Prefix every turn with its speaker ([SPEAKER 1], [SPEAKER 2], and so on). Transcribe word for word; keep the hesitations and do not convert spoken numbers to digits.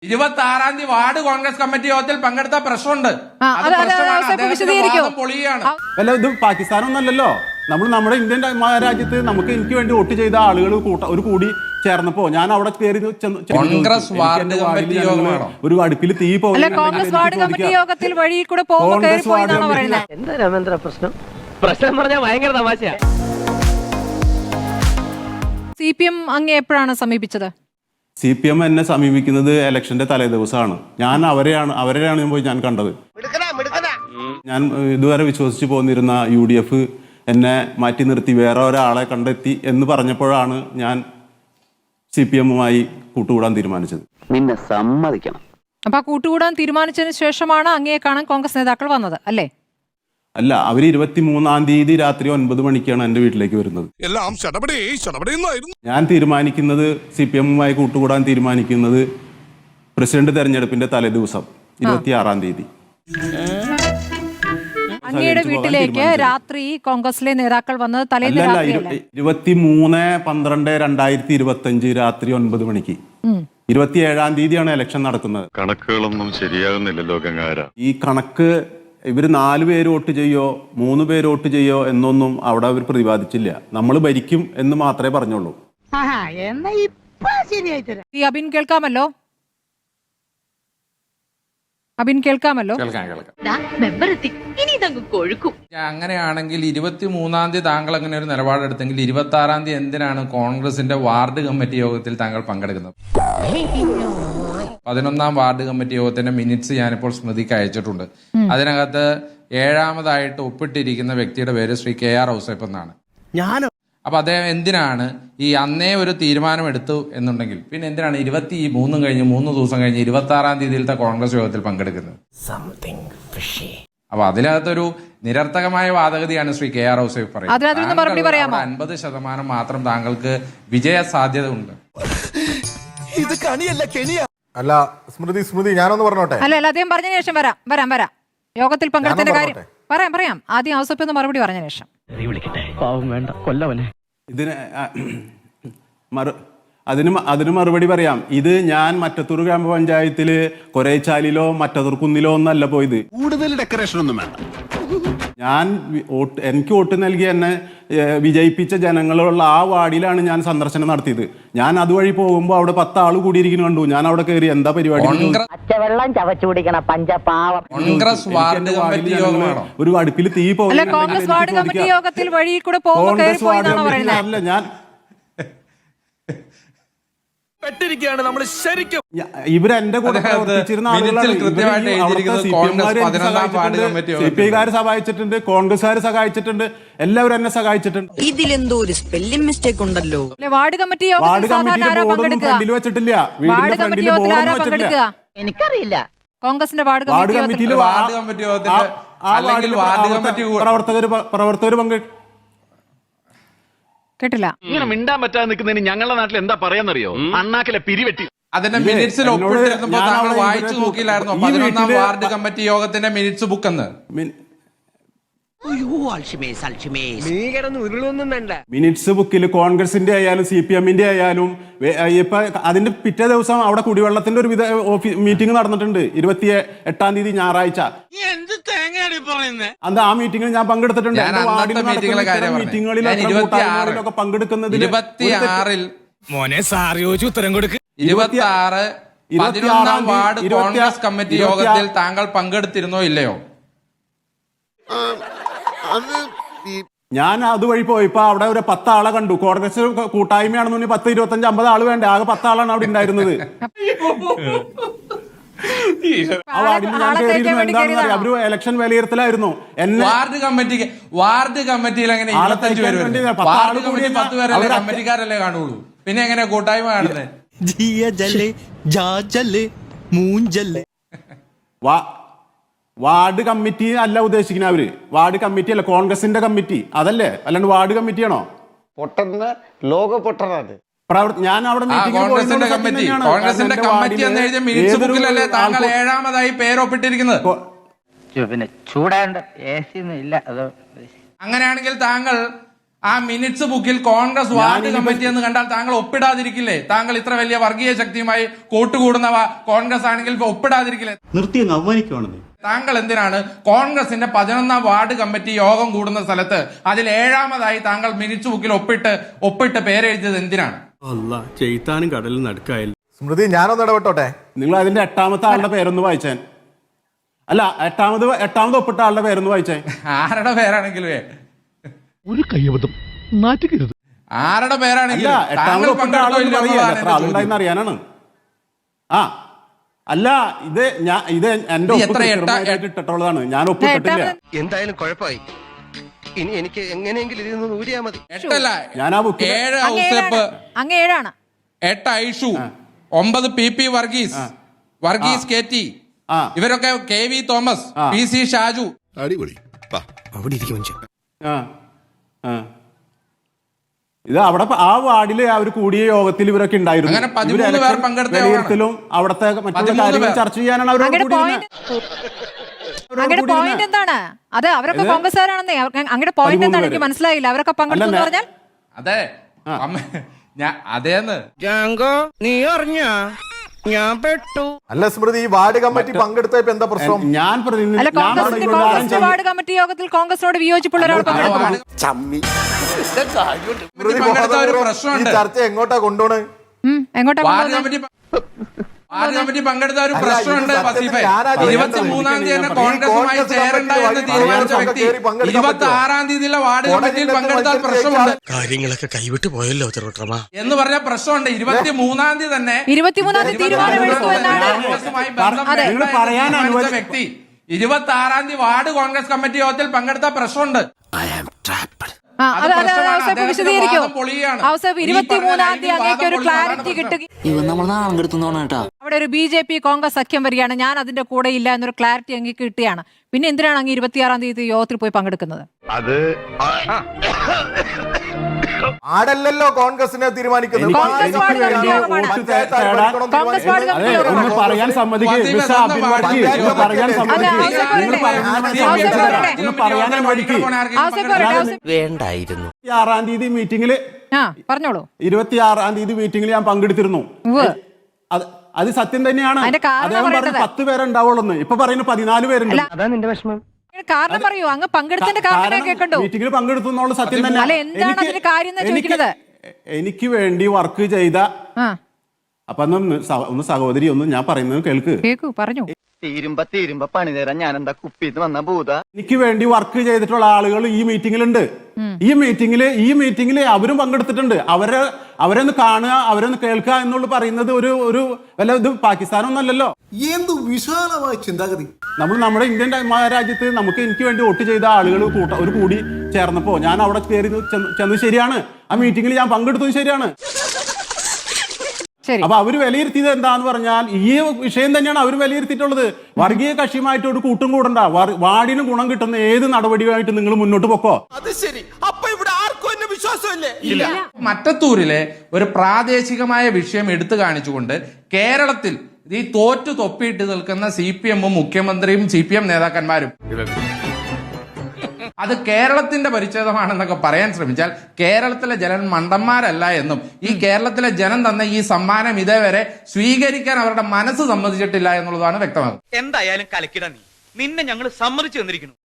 [SPEAKER 1] ഇരുപത്തി ആറാം തീയതി വാർഡ് കോൺഗ്രസ് കമ്മിറ്റി യോഗത്തിൽ പങ്കെടുത്ത പ്രശ്നമുണ്ട്. പൊളിയാണ്.
[SPEAKER 2] അല്ല, ഇത് പാകിസ്ഥാനൊന്നല്ലല്ലോ. നമ്മൾ നമ്മുടെ ഇന്ത്യൻ രാജ്യത്ത് നമുക്ക് എനിക്ക് വേണ്ടി വോട്ട് ചെയ്ത ആളുകൾ ഒരു കൂടി ചേർന്നപ്പോ ഞാൻ അവിടെ കയറി
[SPEAKER 1] കോൺഗ്രസ് വാർഡ് കമ്മിറ്റി യോഗമാണോ
[SPEAKER 2] ഒരു അടുപ്പിൽ തീ പോലെ
[SPEAKER 3] കോൺഗ്രസ് വാർഡ് കമ്മിറ്റി യോഗത്തിൽ വഴി കൂടെ പോകുന്നത്.
[SPEAKER 4] എന്താ രാമേന്ദ്ര പ്രശ്നം? പ്രശ്നം പറഞ്ഞാൽ ഭയങ്കര തമാശയാ.
[SPEAKER 3] സി പി എം അങ്ങ് എപ്പോഴാണ് സമീപിച്ചത്?
[SPEAKER 2] സി പി എം എന്നെ സമീപിക്കുന്നത് ഇലക്ഷന്റെ തലേ ദിവസമാണ്. ഞാൻ അവരെയാണ് അവരെയാണ് പോയി ഞാൻ കണ്ടത്. ഞാൻ ഇതുവരെ വിശ്വസിച്ച് പോന്നിരുന്ന യു ഡി എഫ് എന്നെ മാറ്റി നിർത്തി വേറെ ഒരാളെ കണ്ടെത്തി എന്ന് പറഞ്ഞപ്പോഴാണ് ഞാൻ സി പി എമ്മുമായി കൂട്ടുകൂടാൻ തീരുമാനിച്ചത്.
[SPEAKER 4] നിന്നെ സമ്മതിക്കണം.
[SPEAKER 3] അപ്പൊ ആ കൂട്ടുകൂടാൻ തീരുമാനിച്ചതിന് ശേഷമാണ് അങ്ങയെ കാണാൻ കോൺഗ്രസ് നേതാക്കൾ വന്നത് അല്ലേ?
[SPEAKER 2] അല്ല, അവർ ഇരുപത്തി മൂന്നാം തീയതി രാത്രി ഒൻപത് മണിക്കാണ് എന്റെ വീട്ടിലേക്ക് വരുന്നത്. ഞാൻ തീരുമാനിക്കുന്നത് സി പി എമ്മുമായി കൂട്ടുകൂടാൻ തീരുമാനിക്കുന്നത് പ്രസിഡന്റ് തെരഞ്ഞെടുപ്പിന്റെ തലേ ദിവസം ഇരുപത്തി ആറാം തീയതി
[SPEAKER 3] അങ്ങയുടെ വീട്ടിലേക്ക് രാത്രി കോൺഗ്രസിലെ നേതാക്കൾ വന്നത് തലേന്ന്
[SPEAKER 2] ഇരുപത്തി മൂന്ന് പന്ത്രണ്ട് രണ്ടായിരത്തി ഇരുപത്തി അഞ്ച് രാത്രി ഒൻപത് മണിക്ക്. ഇരുപത്തി ഏഴാം തീയതിയാണ് ഇലക്ഷൻ നടക്കുന്നത്.
[SPEAKER 5] കണക്കുകളൊന്നും ശരിയാകുന്നില്ലല്ലോ ഗംഗാര.
[SPEAKER 2] ഈ കണക്ക് ഇവർ നാല് പേര് വോട്ട് ചെയ്യോ മൂന്ന് പേര് വോട്ട് ചെയ്യോ എന്നൊന്നും അവിടെ അവർ പ്രതിപാദിച്ചില്ല. നമ്മൾ ഭരിക്കും എന്ന് മാത്രമേ പറഞ്ഞുള്ളൂ.
[SPEAKER 3] ഈ അബിൻ കേൾക്കാമല്ലോ അബിൻ കേൾക്കാമല്ലോ
[SPEAKER 1] അങ്ങനെയാണെങ്കിൽ ഇരുപത്തി മൂന്നാം തീയതി താങ്കൾ അങ്ങനെ ഒരു നിലപാടെടുത്തെങ്കിൽ ഇരുപത്തി ആറാം തീയതി എന്തിനാണ് കോൺഗ്രസിന്റെ വാർഡ് കമ്മിറ്റി യോഗത്തിൽ താങ്കൾ പങ്കെടുക്കുന്നത്? പതിനൊന്നാം വാർഡ് കമ്മിറ്റി യോഗത്തിന്റെ മിനിറ്റ്സ് ഞാനിപ്പോൾ സ്മൃതിക്ക് അയച്ചിട്ടുണ്ട്. അതിനകത്ത് ഏഴാമതായിട്ട് ഒപ്പിട്ടിരിക്കുന്ന വ്യക്തിയുടെ പേര് ശ്രീ കെ ആർ ഔസേപ്പ് എന്നാണ്. അപ്പൊ അദ്ദേഹം എന്തിനാണ് ഈ അന്നേ ഒരു തീരുമാനം എടുത്തു എന്നുണ്ടെങ്കിൽ പിന്നെ എന്തിനാണ് ഇരുപത്തി മൂന്നും കഴിഞ്ഞ് മൂന്ന് ദിവസം കഴിഞ്ഞ് ഇരുപത്തി ആറാം തീയതിയിലത്തെ കോൺഗ്രസ് യോഗത്തിൽ പങ്കെടുക്കുന്നത്? അപ്പൊ അതിനകത്തൊരു നിരർത്ഥകമായ വാദഗതിയാണ് ശ്രീ കെ ആർ ഔസേഫ് പറയുന്നത്. അൻപത് ശതമാനം മാത്രം താങ്കൾക്ക് വിജയ സാധ്യത ഉണ്ട്.
[SPEAKER 6] ഇത് കണിയല്ല കെണിയാ. അല്ല സ്മൃതി സ്മൃതി ഞാനൊന്ന് പറഞ്ഞോട്ടെ.
[SPEAKER 3] അല്ല അല്ല അദ്ദേഹം പറഞ്ഞ ശേഷം വരാം വരാം വരാം യോഗത്തിൽ പങ്കെടുത്തതിന്റെ കാര്യം പറയാം പറയാം ആദ്യം ഔസേപ്പ് എന്ന് മറുപടി പറഞ്ഞ ശേഷം
[SPEAKER 2] ഇതിന് അതിന് അതിന് മറുപടി പറയാം. ഇത് ഞാൻ മറ്റത്തൂർ ഗ്രാമപഞ്ചായത്തില് കൊരേച്ചാലിലോ മറ്റത്തൂർ കുന്നിലോ ഒന്നല്ല പോയത്.
[SPEAKER 5] കൂടുതൽ ഡെക്കറേഷൻ ഒന്നും വേണ്ട.
[SPEAKER 2] ഞാൻ വോട്ട് എനിക്ക് വോട്ട് നൽകി എന്നെ വിജയിപ്പിച്ച ജനങ്ങളുള്ള ആ വാർഡിലാണ് ഞാൻ സന്ദർശനം നടത്തിയത്. ഞാൻ അതുവഴി പോകുമ്പോൾ അവിടെ പത്ത് ആള് കൂടിയിരിക്കുന്നു കണ്ടു. ഞാൻ അവിടെ കയറി എന്താ പരിപാടി, ഒരു അടുപ്പിൽ തീ പോകും. അല്ല, ഞാൻ
[SPEAKER 6] പെട്ടിരിക്കുകയാണ് നമ്മൾ ശരിക്കും.
[SPEAKER 2] ഇവര് എന്റെ കൂടെ പ്രവർത്തിച്ചിരുന്ന ആളുകളാണ്. സി പി ഐക്കാര് സഹായിച്ചിട്ടുണ്ട്, കോൺഗ്രസ്സുകാർ സഹായിച്ചിട്ടുണ്ട്, എല്ലാവരും എന്നെ സഹായിച്ചിട്ടുണ്ട്.
[SPEAKER 7] ഇതിലെന്തോ ഒരു സ്പെല്ലിംഗ് മിസ്റ്റേക്ക് ഉണ്ടല്ലോ.
[SPEAKER 3] വാർഡ് കമ്മിറ്റി
[SPEAKER 2] വാർഡ് കമ്മിറ്റിയിൽ ബോർഡൊന്നും ഫ്രണ്ടിൽ വെച്ചിട്ടില്ല. വീടിന്റെ ഫ്രണ്ടിൽ ബോർഡൊന്നും വെച്ചിട്ടില്ല.
[SPEAKER 3] എനിക്കറിയില്ല. കോൺഗ്രസിന്റെ വാർഡ്
[SPEAKER 2] വാർഡ് കമ്മിറ്റിയിൽ പ്രവർത്തകർ പ്രവർത്തകർ പങ്കെടുക്കും.
[SPEAKER 3] കേട്ടില്ല.
[SPEAKER 8] ഇങ്ങനെ മിണ്ടാൻ പറ്റാതെ നിൽക്കുന്നതിന് ഞങ്ങളുടെ നാട്ടിൽ എന്താ പറയാന്നറിയോ? അണ്ണാക്കിലെ പിരിവെട്ടി.
[SPEAKER 1] അതിന്റെ മിനിറ്റ്സിൽ ഒപ്പിട്ടിരുന്നപ്പോ താങ്കൾ വായിച്ചു നോക്കിയില്ലായിരുന്നോ പതിനൊന്നാം വാർഡ് കമ്മിറ്റി യോഗത്തിന്റെ മിനിറ്റ്സ് ബുക്ക് എന്ന്?
[SPEAKER 2] മിനിറ്റ്സ് ബുക്കിൽ കോൺഗ്രസിന്റെ ആയാലും സി പി എമ്മിന്റെ ആയാലും ഇപ്പൊ അതിന്റെ പിറ്റേ ദിവസം അവിടെ കുടിവെള്ളത്തിന്റെ ഒരു വിധ മീറ്റിംഗ് നടന്നിട്ടുണ്ട്. ഇരുപത്തി എട്ടാം തീയതി ഞായറാഴ്ച. അന്ന് ആ മീറ്റിംഗിൽ ഞാൻ പങ്കെടുത്തിട്ടുണ്ട്. മീറ്റിംഗുകളിലൊക്കെ പങ്കെടുക്കുന്നത്
[SPEAKER 1] ഇരുപത്തിയാറിൽ
[SPEAKER 6] മോനെ സാർ ചോദിച്ചു ഉത്തരം കൊടുക്ക്.
[SPEAKER 1] ഇരുപത്തി ആറ് പതിനൊന്നാം വാർഡ് കോൺഗ്രസ് കമ്മിറ്റി യോഗത്തിൽ താങ്കൾ പങ്കെടുത്തിരുന്നോ ഇല്ലയോ?
[SPEAKER 2] ഞാൻ അതുവഴി പോയിപ്പോ അവിടെ ഒരു പത്ത് ആളെ കണ്ടു. കോൺഗ്രസ് കൂട്ടായ്മയാണെന്ന് പത്ത് ഇരുപത്തഞ്ച് അമ്പത് ആള് വേണ്ടേ? ആകെ പത്ത് ആളാണ് അവിടെ ഉണ്ടായിരുന്നത്. ആ വാർഡിൽ ഞാൻ കയറിയിരുന്നു. എന്താണെന്ന് അറിയാം, അവര് ഇലക്ഷൻ വിലയിരുത്തലായിരുന്നു. എന്നെ
[SPEAKER 1] വാർഡ് കമ്മിറ്റിക്ക് വാർഡ് കമ്മിറ്റിയിൽ എങ്ങനെ ഇരുപത്തഞ്ച് പേര് പത്ത് പേരല്ലേ കമ്മിറ്റിക്കാരല്ലേ കാണുള്ളൂ? പിന്നെ എങ്ങനെ കൂട്ടായ്മ കാണുന്നത്?
[SPEAKER 2] വാർഡ് കമ്മിറ്റി അല്ല ഉദ്ദേശിക്കുന്ന അവര്. വാർഡ് കമ്മിറ്റി അല്ല, കോൺഗ്രസിന്റെ കമ്മിറ്റി അതല്ലേ, അല്ലാണ്ട് വാർഡ് കമ്മിറ്റിയാണോ?
[SPEAKER 9] പൊട്ടന്ന് ലോക പൊട്ടനാണ്.
[SPEAKER 2] ഞാൻ അവിടെ
[SPEAKER 1] കോൺഗ്രസിന്റെ കമ്മിറ്റി കോൺഗ്രസിന്റെ കമ്മിറ്റി എന്ന് എഴുതിയ മിനിറ്റ്സ് ബുക്കിലല്ലേ താങ്കൾ ഏഴാമതായി പേരൊപ്പിട്ടിരിക്കുന്നത്?
[SPEAKER 4] പിന്നെ ചൂടാണ്ട് അങ്ങനെയാണെങ്കിൽ
[SPEAKER 1] താങ്കൾ ആ മിനിറ്റ്സ് ബുക്കിൽ കോൺഗ്രസ് വാർഡ് കമ്മിറ്റി എന്ന് കണ്ടാൽ താങ്കൾ ഒപ്പിടാതിരിക്കില്ലേ? താങ്കൾ ഇത്ര വലിയ വർഗീയ ശക്തിയുമായി കൂട്ടുകൂടുന്ന കോൺഗ്രസ് ആണെങ്കിൽ ഒപ്പിടാതിരിക്കില്ലേ?
[SPEAKER 2] നിർത്തി അവമാനിക്കുവാണെന്ന്.
[SPEAKER 1] താങ്കൾ എന്തിനാണ് കോൺഗ്രസിന്റെ പതിനൊന്നാം വാർഡ് കമ്മിറ്റി യോഗം കൂടുന്ന സ്ഥലത്ത് അതിൽ ഏഴാമതായി താങ്കൾ മിനിറ്റ്സ് ബുക്കിൽ ഒപ്പിട്ട് ഒപ്പിട്ട് പേരെഴുതിയത് എന്തിനാണ്?
[SPEAKER 2] ചെയ്ത്താനും കടലിൽ നടുക്കായില്ല.
[SPEAKER 6] സ്മൃതി ഞാനൊന്ന് ഇടപെട്ടോട്ടെ.
[SPEAKER 2] നിങ്ങൾ അതിന്റെ എട്ടാമത്തെ ആളുടെ പേരൊന്ന് വായിച്ചാൻ. അല്ല, എട്ടാമത് എട്ടാമത് ഒപ്പിട്ട ആളുടെ പേരൊന്ന് വായിച്ചാൻ.
[SPEAKER 1] ആരുടെ പേരാണെങ്കിലും
[SPEAKER 5] ഒരു കയ്യബദ്ധം നാറ്റുകരുത്.
[SPEAKER 1] ആരുടെ
[SPEAKER 2] അല്ല,
[SPEAKER 1] പേരാണെങ്കിലും
[SPEAKER 2] എട്ടാമത്
[SPEAKER 1] താങ്കൾ
[SPEAKER 2] ഒപ്പിട്ട ആളൊന്നും പറയില്ല, എത്ര ആളുണ്ടായെന്ന്
[SPEAKER 1] പങ്കെടുത്തോ
[SPEAKER 2] അറിയാനാണ്. ആ അല്ല, ഇത് ഞാൻ ഇത് എന്റെ
[SPEAKER 1] ഇത്
[SPEAKER 2] ഒപ്പ്
[SPEAKER 1] എത്ര എട്ടാ-
[SPEAKER 2] കൃത്യമായിട്ട് ഇട്ടിട്ടുള്ളതാണ്. ഞാൻ ഒപ്പിട്ടിട്ടില്ല.
[SPEAKER 9] എന്തായാലും കുഴപ്പമായി. ഇനി എനിക്ക് എങ്ങനെയെങ്കിലും ഇതിൽ നിന്ന് ഊരിയാ മതി.
[SPEAKER 1] എട്ടല്ല,
[SPEAKER 2] ഞാൻ ആ ബുക്കിൽ
[SPEAKER 1] ഏഴ്
[SPEAKER 3] അങ്ങ്
[SPEAKER 1] ഔസേപ്പ്,
[SPEAKER 3] ഏഴാണ്. അങ്ങ് ഏഴാണ്.
[SPEAKER 1] എട്ട് ഐഷു, ഒമ്പത് P P Varghese, Varghese K T,
[SPEAKER 2] ആ.
[SPEAKER 1] ഇവരൊക്കെ കെ വി തോമസ്,
[SPEAKER 2] ആ.
[SPEAKER 1] P C Shaju.
[SPEAKER 5] അടിപൊളി.
[SPEAKER 6] അവിടെ ഇരിക്കും മനുഷ്യൻ.
[SPEAKER 2] ആ ആ ഇത് അവിടെ പ- ആ വാർഡില് അവർ കൂടിയ യോഗത്തിൽ ഇവരൊക്കെ ഉണ്ടായിരുന്നു.
[SPEAKER 1] അങ്ങനെ പതിമൂന്ന്
[SPEAKER 2] ഇവര്
[SPEAKER 1] പേർ
[SPEAKER 2] election
[SPEAKER 1] പങ്കെടുത്ത
[SPEAKER 2] വിലയിരുത്തലും അവിടുത്തെ മറ്റുള്ള
[SPEAKER 1] പതിമൂന്ന്
[SPEAKER 2] കാര്യങ്ങൾ
[SPEAKER 1] പേർ.
[SPEAKER 2] ചർച്ച ചെയ്യാനാണ് അവരോട്
[SPEAKER 3] അങ്ങയുടെ
[SPEAKER 2] കൂടിയിരുന്നത്.
[SPEAKER 3] പോയിന്റ് അങ്ങയുടെ പോയിന്റ് എന്താണ്? അത് അവരൊക്കെ കോൺഗ്രസ്സുകാരാണെന്നേ. അങ്ങയുടെ പോയിന്റ്
[SPEAKER 2] പതിമൂന്ന്
[SPEAKER 3] എന്താണ്? എനിക്ക്
[SPEAKER 2] പേര്.
[SPEAKER 3] മനസ്സിലായില്ല. അവരൊക്കെ പങ്കെടുത്തു എന്ന്
[SPEAKER 2] അല്ല,
[SPEAKER 3] പറഞ്ഞാൽ
[SPEAKER 1] അതെ അമ്മ- ഞാൻ അതേന്ന്
[SPEAKER 9] നീ അറിഞ്ഞ ഞാൻ പെട്ടു.
[SPEAKER 6] അല്ല സ്മൃതി, ഈ വാർഡ് കമ്മിറ്റി പങ്കെടുത്തപ്പോ എന്താ പ്രശ്നം?
[SPEAKER 2] ഞാൻ പ്രതിനിധി-
[SPEAKER 3] അല്ല,
[SPEAKER 2] ഞാൻ
[SPEAKER 3] കോൺഗ്രസിന്റെ
[SPEAKER 2] പ്രതിനിധാനം
[SPEAKER 3] കോൺഗ്രസിന്റെ
[SPEAKER 2] ചെയ്യും.
[SPEAKER 3] വാർഡ് കമ്മിറ്റി യോഗത്തിൽ കോൺഗ്രസിനോട് വിയോജിപ്പുള്ള ഒരാൾ പങ്കെടുക്കുന്നു.
[SPEAKER 6] സ്മൃതി
[SPEAKER 1] പങ്കെടുത്ത ഒരു
[SPEAKER 6] ബോധപൂർവ്വം
[SPEAKER 1] പ്രശ്നമുണ്ട്.
[SPEAKER 6] ഈ ചർച്ച എങ്ങോട്ടാ കൊണ്ടുപോണ്?
[SPEAKER 3] ഉം, എങ്ങോട്ടാ
[SPEAKER 1] വാർഡ്
[SPEAKER 3] കൊണ്ടുപോകുന്നത്?
[SPEAKER 1] കമ്മിറ്റി വാർഡ് കമ്മിറ്റി പങ്കെടുത്ത ഒരു
[SPEAKER 6] അല്ല,
[SPEAKER 1] പ്രശ്നമുണ്ട്
[SPEAKER 6] ഇത് സത്യത്തിൽ
[SPEAKER 1] വസീഫെ.
[SPEAKER 6] ഞാനാ ചോദിച്ചത്.
[SPEAKER 1] ഇരുപത്തി മൂന്നാം തീയതി തന്നെ
[SPEAKER 6] ഈ
[SPEAKER 1] കോൺഗ്രസുമായി
[SPEAKER 6] കോൺഗ്രസ്
[SPEAKER 1] ചേരണ്ട
[SPEAKER 6] കമ്മിറ്റി
[SPEAKER 1] എന്ന് തീരുമാനിച്ച
[SPEAKER 6] വഴി
[SPEAKER 1] വ്യക്തി
[SPEAKER 6] കയറി പങ്കെടുക്കാൻ
[SPEAKER 1] ഇരുപത്തി
[SPEAKER 6] പറ്റുമോ?
[SPEAKER 1] ആറാം തീയതിയിലെ വാർഡ് കമ്മിറ്റിയിൽ
[SPEAKER 6] കോടതി
[SPEAKER 1] പങ്കെടുത്താൽ
[SPEAKER 6] ഇന്നത്തെ
[SPEAKER 1] പ്രശ്നമുണ്ട്.
[SPEAKER 5] കാര്യങ്ങളൊക്കെ കൈവിട്ട് പോയല്ലോ ചെറുട്ടമ്മ
[SPEAKER 1] എന്ന് പറഞ്ഞ പ്രശ്നമുണ്ട്. ഇരുപത്തി മൂന്നാം തീയതി തന്നെ
[SPEAKER 3] ഇരുപത്തിമൂന്നാം തീയതി തീരുമാനമെടുത്തു എന്നാണ്.
[SPEAKER 1] കോൺഗ്രസുമായി
[SPEAKER 3] അതെ.
[SPEAKER 1] ബന്ധപ്പെട്ട്
[SPEAKER 2] നിങ്ങൾ പറയാൻ
[SPEAKER 1] തീരുമാനിച്ച
[SPEAKER 2] അനുവദി-
[SPEAKER 1] വ്യക്തി ഇരുപത്തി ആറാം തീയതി വാർഡ് കോൺഗ്രസ് കമ്മിറ്റി യോഗത്തിൽ പങ്കെടുത്ത പ്രശ്നമുണ്ട്.
[SPEAKER 3] ആ,
[SPEAKER 1] അത്
[SPEAKER 3] അത് അത്
[SPEAKER 1] പ്രശ്നമാണ്.
[SPEAKER 3] ഔസേപ്പ്
[SPEAKER 1] അദ്ദേഹത്തിന്റെ
[SPEAKER 3] വിശദീകരിക്കൂ.
[SPEAKER 1] വാദം പൊളിയാണ്.
[SPEAKER 3] ഔസേപ്പ്
[SPEAKER 1] ഈ
[SPEAKER 3] ഇരുപത്തിമൂന്നാം
[SPEAKER 1] പറഞ്ഞ
[SPEAKER 3] തീയതി അങ്ങേക്ക് ഒരു
[SPEAKER 1] വാദം
[SPEAKER 3] ക്ലാരിറ്റി
[SPEAKER 1] പൊളിയാണ്
[SPEAKER 3] കിട്ടുക.
[SPEAKER 7] ഇവൻ നമ്മൾ നാളെ കെടുത്തുന്നോണ കേട്ടാ.
[SPEAKER 3] അവിടെ ഒരു ബി ജെ പി കോൺഗ്രസ് സഖ്യം വരികയാണ്, ഞാൻ അതിന്റെ കൂടെ ഇല്ല എന്നൊരു ക്ലാരിറ്റി അങ്ങേക്ക് കിട്ടുകയാണ്. പിന്നെ എന്തിനാണ് അങ്ങ് ഇരുപത്തിയാറാം തീയതി യോഗത്തിൽ പോയി പങ്കെടുക്കുന്നത്?
[SPEAKER 5] അത്
[SPEAKER 6] ആടല്ലല്ലോ കോൺഗ്രസിനെ തീരുമാനിക്കുന്നത്.
[SPEAKER 2] എനിക്ക്
[SPEAKER 3] Congress
[SPEAKER 6] ward
[SPEAKER 3] ward
[SPEAKER 6] committee
[SPEAKER 3] committee യോഗമാണ്.
[SPEAKER 2] വോട്ട്
[SPEAKER 6] പഞ്ചായത്ത് ആര്
[SPEAKER 2] തേടാൻ-
[SPEAKER 6] ഭരിക്കണം എന്ന്
[SPEAKER 3] കോൺഗ്രസ് വാർഡ്
[SPEAKER 6] തീരുമാനിക്കുന്നത്.
[SPEAKER 3] കമ്മിറ്റി
[SPEAKER 2] അതെ, ഒന്ന്
[SPEAKER 3] യോഗമാണ്.
[SPEAKER 2] പറയാൻ സമ്മതിക്ക്.
[SPEAKER 1] വസീഫെ
[SPEAKER 2] മിസ്റ്റർ
[SPEAKER 1] സ്വന്തം
[SPEAKER 2] അബിൻ വർക്കി,
[SPEAKER 1] വാർഡ്
[SPEAKER 2] ഒന്ന് പറയാൻ
[SPEAKER 1] അതെ,
[SPEAKER 2] സമ്മതിക്ക്.
[SPEAKER 3] ഔസേപ്പ്
[SPEAKER 2] നിങ്ങൾ
[SPEAKER 3] പറയട്ടെ.
[SPEAKER 2] പറയാൻ
[SPEAKER 3] ഔസേപ്പ്
[SPEAKER 2] സമ്മതിക്കില്ല.
[SPEAKER 3] പറയട്ടെ.
[SPEAKER 2] ഒന്ന് പറയാൻ അനുവദിക്ക്.
[SPEAKER 3] ഔസേപ്പ് പറയട്ടെ, ഔസേപ്പ്.
[SPEAKER 9] വേണ്ടായിരുന്നു.
[SPEAKER 2] ആറാം തീയതി മീറ്റിംഗിൽ
[SPEAKER 3] ആ, പറഞ്ഞോളൂ.
[SPEAKER 2] ഇരുപത്തി ആറാം തീയതി മീറ്റിംഗിൽ ഞാൻ പങ്കെടുത്തിരുന്നു.
[SPEAKER 3] ഉവ്വ്.
[SPEAKER 2] അത് അത് സത്യം തന്നെയാണ്.
[SPEAKER 3] അതിന്റെ കാരണം
[SPEAKER 2] അദ്ദേഹം പറഞ്ഞു
[SPEAKER 3] പറയേണ്ടത്.
[SPEAKER 2] പത്ത് പേരുണ്ടാവുള്ളൂ. ഇപ്പൊ പറയുന്നു പതിനാല് പേരുണ്ട്.
[SPEAKER 3] അല്ല,
[SPEAKER 9] അതാ നിന്റെ വിഷമം.
[SPEAKER 3] കാരണം പറയൂ. അങ്ങ് പങ്കെടുത്തതിന്റെ കാരണം ഞാൻ കേൾക്കണ്ടോ?
[SPEAKER 2] മീറ്റിംഗിൽ പങ്കെടുത്തു എന്നുള്ള സത്യം തന്നെ.
[SPEAKER 3] അല്ല, എന്താണ് അതിന്റെ കാര്യം എന്നാ
[SPEAKER 2] എനിക്ക്
[SPEAKER 3] ചോദിക്കുന്നത്?
[SPEAKER 2] എനിക്ക് വേണ്ടി വർക്ക് ചെയ്ത
[SPEAKER 3] ആ,
[SPEAKER 2] അപ്പൊ ഒന്ന് സ- ഒന്ന് സഹോദരി ഒന്ന് ഞാൻ പറയുന്നത് കേൾക്ക്.
[SPEAKER 3] കേക്കൂ, പറഞ്ഞു.
[SPEAKER 9] തീരുമ്പ തീരുമ്പ പണി തരാൻ ഞാൻ എന്താ കുപ്പിന്ന് വന്ന ഭൂത.
[SPEAKER 2] എനിക്ക് വേണ്ടി വർക്ക് ചെയ്തിട്ടുള്ള ആളുകൾ ഈ മീറ്റിംഗിലുണ്ട്. ഈ മീറ്റിംഗില് ഈ മീറ്റിംഗില് അവരും പങ്കെടുത്തിട്ടുണ്ട്. അവരെ അവരൊന്ന് കാണുക, അവരൊന്ന് കേൾക്കുക എന്നുള്ള പറയുന്നത് ഒരു ഒരു വല്ല ഇത് പാകിസ്ഥാനൊന്നല്ലല്ലോ.
[SPEAKER 6] എന്ത് വിശാലമായ ചിന്താഗതി.
[SPEAKER 2] നമ്മൾ നമ്മുടെ ഇന്ത്യൻ രാ- രാജ്യത്ത് നമുക്ക് എനിക്ക് വേണ്ടി വോട്ട് ചെയ്ത ആളുകൾ കൂട്ട ഒരു കൂടി ചേർന്നപ്പോ ഞാൻ അവിടെ കയറി ചെന്ന് ചെന്നത് ശരിയാണ്. ആ മീറ്റിംഗിൽ ഞാൻ പങ്കെടുത്തത് ശരിയാണ്.
[SPEAKER 3] ശരി.
[SPEAKER 2] അപ്പൊ അവര് വിലയിരുത്തിയത് എന്താന്ന് പറഞ്ഞാൽ ഈ വിഷയം തന്നെയാണ് അവർ വിലയിരുത്തിയിട്ടുള്ളത്. വർഗീയ കക്ഷിയുമായിട്ട് ഒരു കൂട്ടും കൂടണ്ട. വർ- വാർഡിന് ഗുണം കിട്ടുന്ന ഏത് നടപടിയുമായിട്ട് നിങ്ങൾ മുന്നോട്ട് പൊക്കോ.
[SPEAKER 6] അത് ശരി. അപ്പൊ ഇവിടെ ആർക്കും എന്നെ വിശ്വാസമില്ലേ?
[SPEAKER 1] ഇല്ല. മറ്റത്തൂരിലെ ഒരു പ്രാദേശികമായ വിഷയം എടുത്തു കാണിച്ചുകൊണ്ട് കേരളത്തിൽ ഈ തോറ്റു തൊപ്പിയിട്ട് നിൽക്കുന്ന സി പി എമ്മും മുഖ്യമന്ത്രിയും സി പി എം നേതാക്കന്മാരും അത് കേരളത്തിന്റെ പരിച്ഛേദമാണെന്നൊക്കെ പറയാൻ ശ്രമിച്ചാൽ കേരളത്തിലെ ജനം മണ്ടന്മാരല്ല എന്നും ഈ കേരളത്തിലെ ജനം തന്ന ഈ സമ്മാനം ഇതേവരെ സ്വീകരിക്കാൻ അവരുടെ മനസ്സ് സമ്മതിച്ചിട്ടില്ല എന്നുള്ളതാണ് വ്യക്തമാകുന്നത്.
[SPEAKER 8] എന്തായാലും കലക്കിട നീ നിന്നെ ഞങ്ങൾ സമ്മതിച്ചു തന്നിരിക്കുന്നു.